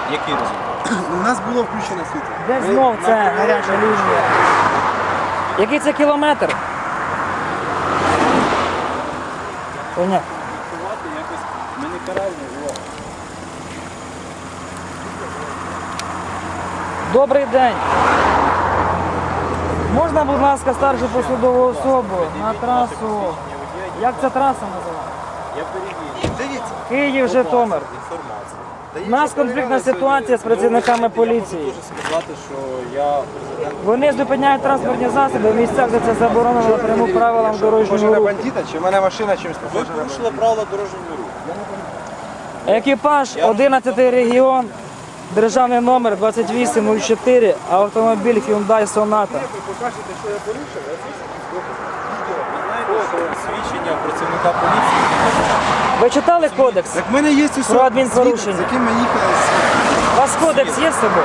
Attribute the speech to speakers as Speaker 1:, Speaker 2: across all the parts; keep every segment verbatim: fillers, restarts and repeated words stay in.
Speaker 1: Який результат?
Speaker 2: У нас було включено світло.
Speaker 3: Де знов це гаряча лінія? Який це кілометр? Понятно.
Speaker 1: Якось ми не каральні живемо.
Speaker 3: Добрий день. Можна, будь ласка, старшу посудову особу на трасу. Як ця траса називається?
Speaker 1: Я перевірю.
Speaker 2: Дивіться.
Speaker 3: Київ, Житомир.
Speaker 1: Інформація.
Speaker 3: У нас конфліктна ситуація з працівниками поліції.
Speaker 1: Я можу сказати, що я президент.
Speaker 3: Вони зупиняють транспортні засоби в місцях, де це заборонено напряму правилам
Speaker 2: Може
Speaker 3: дорожнього
Speaker 2: на
Speaker 3: руху.
Speaker 2: бандита, чи в мене машина чимось
Speaker 1: Ви
Speaker 2: похожа на
Speaker 1: порушили правила дорожнього руху.
Speaker 3: Екіпаж одинадцятий регіон, державний номер двадцять вісім нуль чотири, автомобіль Hyundai Sonata.
Speaker 2: Ви покажете, що я порушив, я
Speaker 1: Ви знаєте, що свідчення працівника поліції
Speaker 3: Ви читали кодекс?
Speaker 2: Так в мене є усе
Speaker 3: Про адмінпорушення.
Speaker 2: з яким ми їхали.
Speaker 3: У вас кодекс є з собою?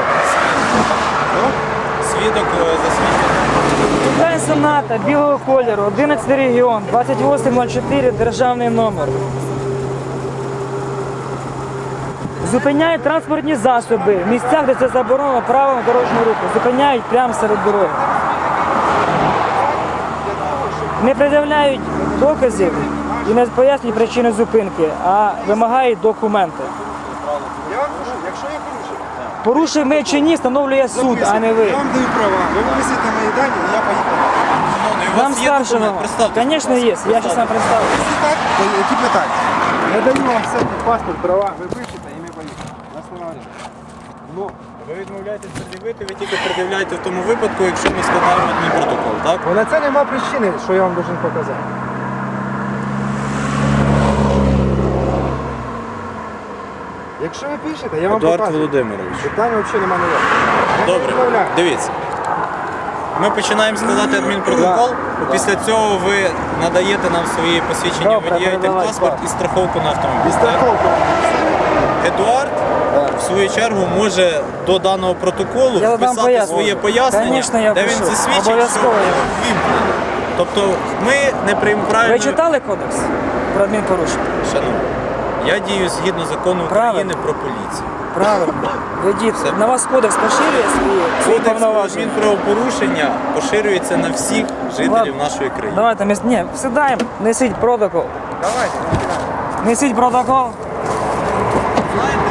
Speaker 1: свідок е, засвідчений.
Speaker 3: Hyundai Sonata білого кольору, одинадцятий регіон, двадцять вісім нуль чотири, державний номер. Зупиняють транспортні засоби в місцях, де це заборонено правилам дорожнього руху. Зупиняють прямо серед дороги. Не пред'являють доказів і не пояснюють причини зупинки, а вимагають документи.
Speaker 2: Я вам кажу, якщо я порушив,
Speaker 3: Порушив ми чи ні, встановлює суд, а не ви.
Speaker 2: я вам даю права. Ви виписуєте мої дані, і я поїхав.
Speaker 1: Шановний, у
Speaker 3: Вам
Speaker 1: вас є
Speaker 3: старшого.
Speaker 1: документ? Представте.
Speaker 3: Звісно, є. Я зараз вам представлю.
Speaker 2: Якщо так, то які питання? Я даю вам все, паспорт, права, ви пишете, і ми поїхали. Нас немає. Ну,
Speaker 1: Ви відмовляєтесь пред'явити, ви тільки пред'являєте в тому випадку, якщо ми складаємо адмінпротокол, так?
Speaker 2: бо на це нема причини, що я вам должен показати. Якщо ви пишете, я вам
Speaker 1: Едуард
Speaker 2: показую.
Speaker 1: Володимирович.
Speaker 2: Питання взагалі немає ніякого. Я не
Speaker 1: Добре,
Speaker 2: відмовляю.
Speaker 1: дивіться. Ми починаємо складати адмінпротокол. Після цього ви надаєте нам свої посвідчення
Speaker 3: Добре,
Speaker 1: водія,
Speaker 3: передавай,
Speaker 1: паспорт
Speaker 3: так.
Speaker 1: і страховку на
Speaker 2: І
Speaker 1: автомобіль. так?
Speaker 2: страховку.
Speaker 1: Едуард, в свою чергу, може до даного протоколу
Speaker 3: Я вам
Speaker 1: вписати
Speaker 3: поясню.
Speaker 1: своє пояснення,
Speaker 3: Конечно, я
Speaker 1: де він
Speaker 3: впишу.
Speaker 1: засвідчить, що
Speaker 3: Обов'язково я.
Speaker 1: вімкнено. Тобто ми не приймемо правильно.
Speaker 3: Ви читали кодекс про адмінпорушення?
Speaker 1: Шановні, я дію згідно закону України
Speaker 3: Правильно.
Speaker 1: про поліцію.
Speaker 3: Правильно. Ведіть. На вас кодекс поширює свої, свої
Speaker 1: Кодекс
Speaker 3: повноваження?
Speaker 1: адмінправопорушення поширюється на всіх жителів
Speaker 3: Ладно.
Speaker 1: нашої країни.
Speaker 3: Давайте, ми... Ні, сідаємо, несіть протокол.
Speaker 2: Давайте, не кидаємо.
Speaker 3: Несіть протокол.
Speaker 1: Знаєте,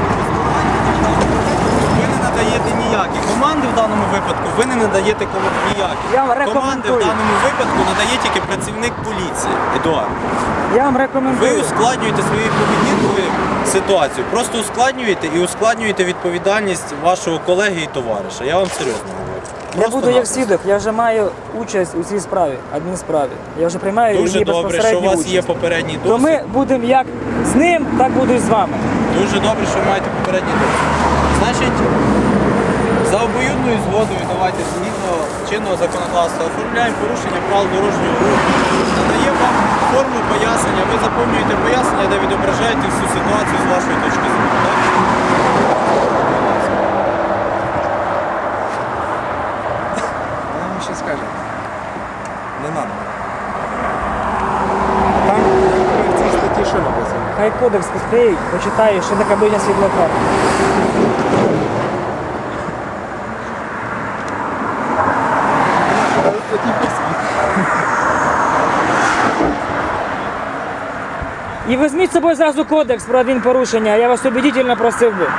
Speaker 1: ви не надаєте ніякі команди в даному випадку, ви не надаєте кому ніякі.
Speaker 3: Я вам
Speaker 1: Команди в
Speaker 3: рекомендую.
Speaker 1: даному випадку надає тільки працівник поліції, Едуард.
Speaker 3: Я вам
Speaker 1: Ви
Speaker 3: рекомендую.
Speaker 1: ускладнюєте своєю поведінкою ситуацію. Просто ускладнюєте і ускладнюєте відповідальність вашого колеги і товариша. Я вам серйозно говорю.
Speaker 3: Я
Speaker 1: Просто
Speaker 3: буду як
Speaker 1: напросто.
Speaker 3: свідок, я вже маю участь у цій справі, адмінсправі. Я вже приймаю
Speaker 1: Дуже
Speaker 3: її
Speaker 1: добре, що у
Speaker 3: безпосередню
Speaker 1: вас
Speaker 3: участь.
Speaker 1: є попередній
Speaker 3: То
Speaker 1: досвід.
Speaker 3: ми будемо як з ним, так буду і з вами.
Speaker 1: Дуже добре, що ви маєте попередній досвід. Значить, за обоюдною згодою давайте згідно чинного законодавства оформляємо порушення правил дорожнього руху. Надаємо вам форму пояснення, ви заповнюєте пояснення, де відображаєте всю ситуацію з вашої точки зору. Так?
Speaker 2: Вона вам ще скаже. Не треба. Там в цій статті що написано?
Speaker 3: Хай кодекс відкриють, почитають, що таке биття світлофар. І візьміть з собою зразу кодекс про адмінпорушення, я вас убедительно просив би.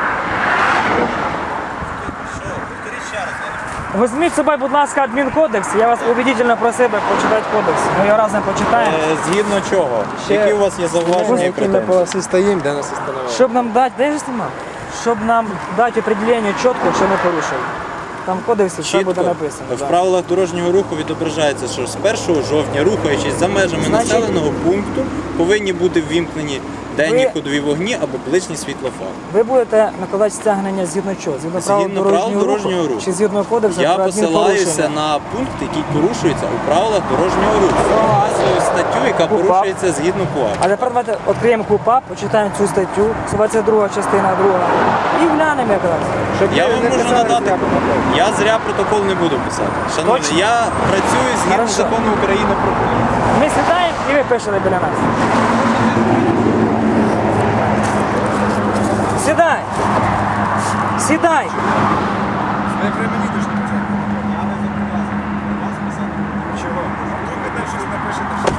Speaker 1: Що? Повторіть ще раз. я не
Speaker 3: Візьміть з собою, будь ласка, адмінкодекс, я вас убедительно просив би почитати кодекс. Ми його разом почитаємо.
Speaker 1: Е, Згідно чого?
Speaker 3: Ще-
Speaker 1: Які у вас є зауваження і
Speaker 2: Які ми
Speaker 1: претензії?
Speaker 2: по всій стоїмо, де нас остановили.
Speaker 3: Щоб нам дати, де ж знімав? Щоб нам дати определення чітко, що ми порушили. Там в кодексі все буде
Speaker 1: Чітко
Speaker 3: написано.
Speaker 1: в
Speaker 3: да.
Speaker 1: правилах дорожнього руху відображається, що з першого жовтня, рухаючись за межами
Speaker 3: Значить-
Speaker 1: населеного пункту, повинні бути ввімкнені денні
Speaker 3: Ви-
Speaker 1: ходові вогні або ближній світлофар.
Speaker 3: Ви будете накладати стягнення згідно чого? Згідно правил
Speaker 1: Згідно правил
Speaker 3: дорожнього,
Speaker 1: дорожнього
Speaker 3: руху?
Speaker 1: руху.
Speaker 3: Чи згідно кодексу
Speaker 1: Я
Speaker 3: про
Speaker 1: посилаюся
Speaker 3: адмінпорушення?
Speaker 1: на пункт, який порушується у правилах дорожнього руху. Вказую статтю, яка
Speaker 3: КУпАП.
Speaker 1: порушується згідно КУАП.
Speaker 3: А тепер давайте відкриємо КУпАП, почитаємо цю статтю, двадцять друга частина друга, і глянемо якраз.
Speaker 2: Щоб
Speaker 1: Я
Speaker 2: ви
Speaker 1: вам
Speaker 2: не
Speaker 1: можу
Speaker 2: писали
Speaker 1: надати.
Speaker 2: зря протокол.
Speaker 1: Я зря протокол не буду писати. Шановні,
Speaker 3: Точно?
Speaker 1: я працюю згідно
Speaker 3: Хорошо.
Speaker 1: закону України про поліцію.
Speaker 3: Ми сідаємо і ви пишете біля нас. Сідай! Сідай!
Speaker 2: Ви при мені дуже не писати.
Speaker 1: Я не зобов'язаний вас писати.
Speaker 2: Чого? Вдруг ви там щось напишете, що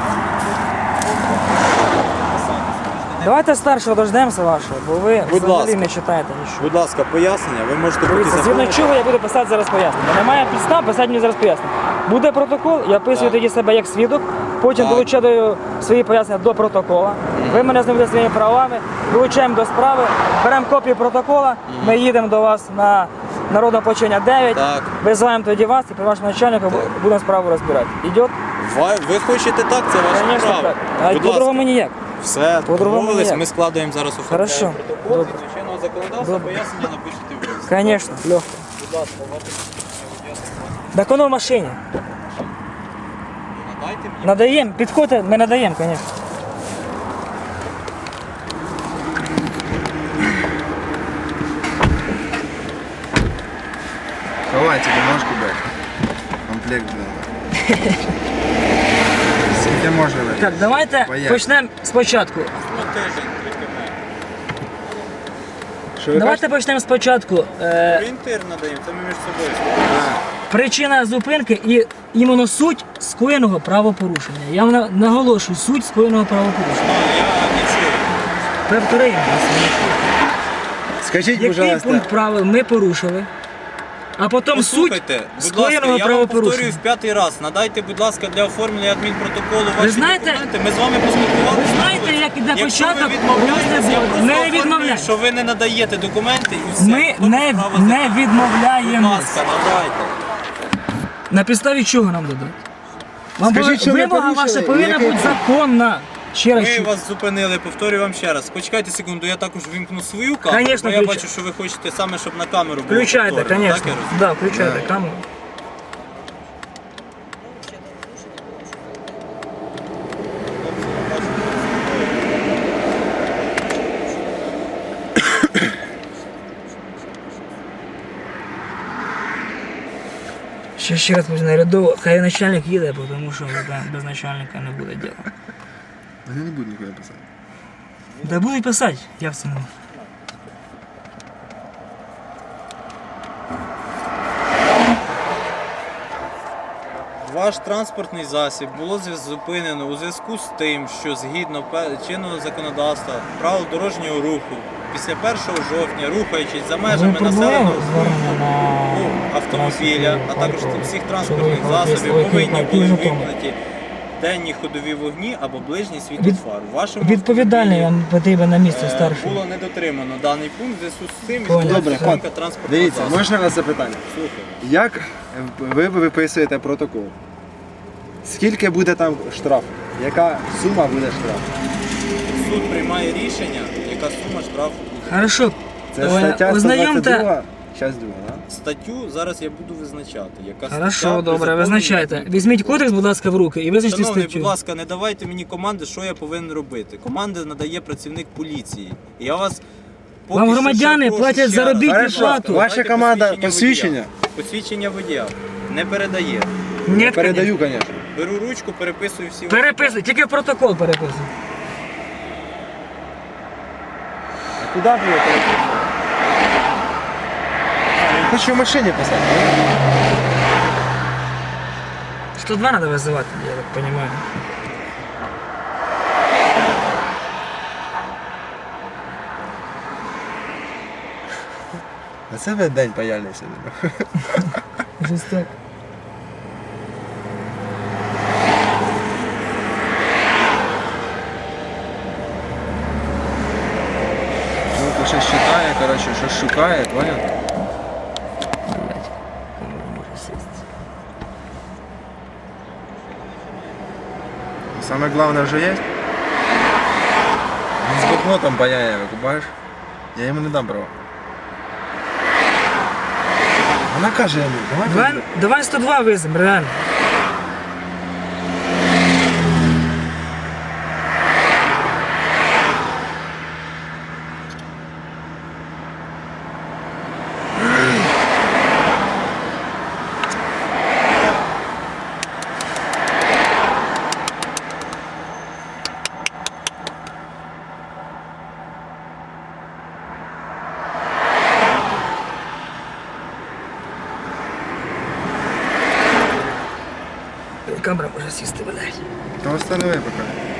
Speaker 3: Давайте старшого дождемося вашого, бо ви
Speaker 1: Будь
Speaker 3: взагалі
Speaker 1: ласка.
Speaker 3: не читаєте нічого.
Speaker 1: Будь ласка, пояснення, ви можете поки
Speaker 3: Дивіться, згідно
Speaker 1: заповнити.
Speaker 3: чого я буду писати зараз пояснення. Немає підстав, писати мені зараз пояснення. Буде протокол, я описую
Speaker 1: Так.
Speaker 3: тоді себе як свідок, потім
Speaker 1: Так.
Speaker 3: долучаю свої пояснення до протокола. Ви мене знайомите своїми правами, долучаємо до справи, беремо копію протокола, ми їдемо до вас на народне почення дев'ять,
Speaker 1: Так.
Speaker 3: визиваємо тоді вас і при вашому начальнику будемо справу розбирати. Ідет?
Speaker 1: Ви, ви хочете так, це ваше
Speaker 3: Звісно,
Speaker 1: право.
Speaker 3: так. А
Speaker 1: Будь
Speaker 3: по-другому
Speaker 1: ласка.
Speaker 3: ніяк.
Speaker 1: Все,
Speaker 3: По-другому
Speaker 1: домовились,
Speaker 3: ніяк.
Speaker 1: ми складаємо зараз оформляємо
Speaker 3: Хорошо.
Speaker 1: протокол,
Speaker 3: Добре.
Speaker 1: згідно чинного законодавства,
Speaker 3: Добре.
Speaker 1: пояснення напишете ви.
Speaker 3: Звісно, легко.
Speaker 1: Будь ласка, ваше
Speaker 3: Так воно в машині.
Speaker 1: надайте мені.
Speaker 3: Надаємо, підходьте, ми надаємо, звісно.
Speaker 2: Ховайте бумажку, блядь. Комплект, блядь. Скільки можна, блядь?
Speaker 3: Так, давайте
Speaker 2: Поїхали.
Speaker 3: почнемо спочатку.
Speaker 1: Ну, тиждень, трохи менше.
Speaker 2: Що ви
Speaker 3: Давайте почнемо спочатку. Е,
Speaker 1: Орієнтир надаємо, це ми між собою спілкуємося.
Speaker 2: кажете?
Speaker 3: причина зупинки і іменно суть скоєного правопорушення. Я вам наголошую, суть скоєного правопорушення.
Speaker 1: А, я не чую.
Speaker 3: Повторюємо.
Speaker 2: Скажіть,
Speaker 3: Який
Speaker 2: пожалуйста,
Speaker 3: пункт правил ми порушили, а потім суть
Speaker 1: Послухайте, будь ласка,
Speaker 3: скоєного
Speaker 1: я вам повторюю
Speaker 3: правопорушення.
Speaker 1: в п'ятий раз. Надайте, будь ласка, для оформлення адмінпротоколу ваші
Speaker 3: знаєте-
Speaker 1: документи. Ми з вами поспілкувалися.
Speaker 3: Ви знаєте, як іде
Speaker 1: Якщо
Speaker 3: початок,
Speaker 1: ви відмовляєтесь, я
Speaker 3: розгляду?
Speaker 1: просто
Speaker 3: Не
Speaker 1: оформлюю,
Speaker 3: відмовляємось.
Speaker 1: що ви не надаєте документи і все.
Speaker 3: Ми
Speaker 1: Тому
Speaker 3: не,
Speaker 1: справа
Speaker 3: не
Speaker 1: закрита. Будь
Speaker 3: відмовляємось.
Speaker 1: ласка, надайте.
Speaker 3: На підставі чого нам дадуть? Вам
Speaker 2: Скажіть,
Speaker 3: повинна-
Speaker 2: що ми
Speaker 3: вимога
Speaker 2: порушили,
Speaker 3: ваша повинна
Speaker 2: який
Speaker 3: бути
Speaker 2: пункт?
Speaker 3: законна. Ще раз.
Speaker 1: Ми
Speaker 3: чую.
Speaker 1: вас зупинили, повторюю вам ще раз. Почекайте секунду, я також вимкну свою камеру,
Speaker 3: Конечно,
Speaker 1: бо я
Speaker 3: включай.
Speaker 1: бачу, що ви хочете саме, щоб на камеру було
Speaker 3: Включайте,
Speaker 1: повторено,
Speaker 3: звісно.
Speaker 1: так, я розумію?
Speaker 3: Да, включайте
Speaker 2: Да.
Speaker 3: камеру. Ще ще раз можна рядово, хай начальник їде, тому що да, без начальника не буде діла.
Speaker 2: вони не будуть нікуди писати.
Speaker 3: Да будуть писати, я в цьому.
Speaker 1: Ваш транспортний засіб було зв'яз- зупинено у зв'язку з тим, що згідно пе- чинного законодавства правил дорожнього руху після першого жовтня, рухаючись за межами населеного пункту ну, автомобіля, а також всіх транспортних засобів, повинні були вимкнуті денні ходові вогні або ближній світло
Speaker 3: Від-
Speaker 1: фар. У вашому
Speaker 3: Відповідальний
Speaker 1: автомобілі,
Speaker 3: вам потрібен на місце
Speaker 1: е,
Speaker 3: старший.
Speaker 1: було не дотримано даний пункт, в зв'язку з цим
Speaker 3: Понял.
Speaker 1: відбулася
Speaker 2: Добре,
Speaker 1: зупинка
Speaker 2: пан,
Speaker 1: транспортного
Speaker 2: Дивіться,
Speaker 1: засобу.
Speaker 2: можна вас запитання?
Speaker 1: Слухаю.
Speaker 2: Як ви виписуєте протокол? Скільки буде там штраф? Яка сума буде штраф?
Speaker 1: Суд приймає рішення, яка сума штрафу буде.
Speaker 3: Хорошо.
Speaker 2: Це
Speaker 3: Е,
Speaker 2: стаття
Speaker 3: ознайомте.
Speaker 2: сто двадцять два, часть друга, да?
Speaker 1: Статтю зараз я буду визначати. Яка
Speaker 3: Хорошо,
Speaker 1: стаття при
Speaker 3: добре,
Speaker 1: законній
Speaker 3: визначайте.
Speaker 1: відповідності.
Speaker 3: Візьміть кодекс, будь ласка, в руки і визначте
Speaker 1: Шановний,
Speaker 3: статтю.
Speaker 1: будь ласка, не давайте мені команди, що я повинен робити. Команди надає працівник поліції. І я вас поки
Speaker 3: Вам
Speaker 1: що
Speaker 3: громадяни
Speaker 1: ще прошу
Speaker 3: платять
Speaker 1: ще раз.
Speaker 3: заробітну
Speaker 1: Хорошо,
Speaker 3: плату.
Speaker 1: давайте
Speaker 2: Ваша команда
Speaker 1: водія.
Speaker 2: посвідчення?
Speaker 1: Посвідчення водія не передає.
Speaker 3: Ні,
Speaker 2: Передаю, звісно.
Speaker 1: Беру ручку, переписую всі.
Speaker 3: переписуй, тільки в протокол переписуй.
Speaker 2: А куди було переписати? Я хочу в машині писати.
Speaker 3: сто два треба визивати, я так розумію.
Speaker 2: А це ви день паяльний сьогодні.
Speaker 3: Щось так.
Speaker 2: Ну, щось читає, коротше, щось шукає, понял?
Speaker 3: Блять, камера не може сісти.
Speaker 2: Саме головне вже є. Він з блокнотом паяє, викупаєш? Я йому не дам права. Вона каже йому, давай.
Speaker 3: Давай,
Speaker 2: поїдемо.
Speaker 3: давай сто два визимо, реально. Камера може сісти, блядь.
Speaker 2: Та встанови поки.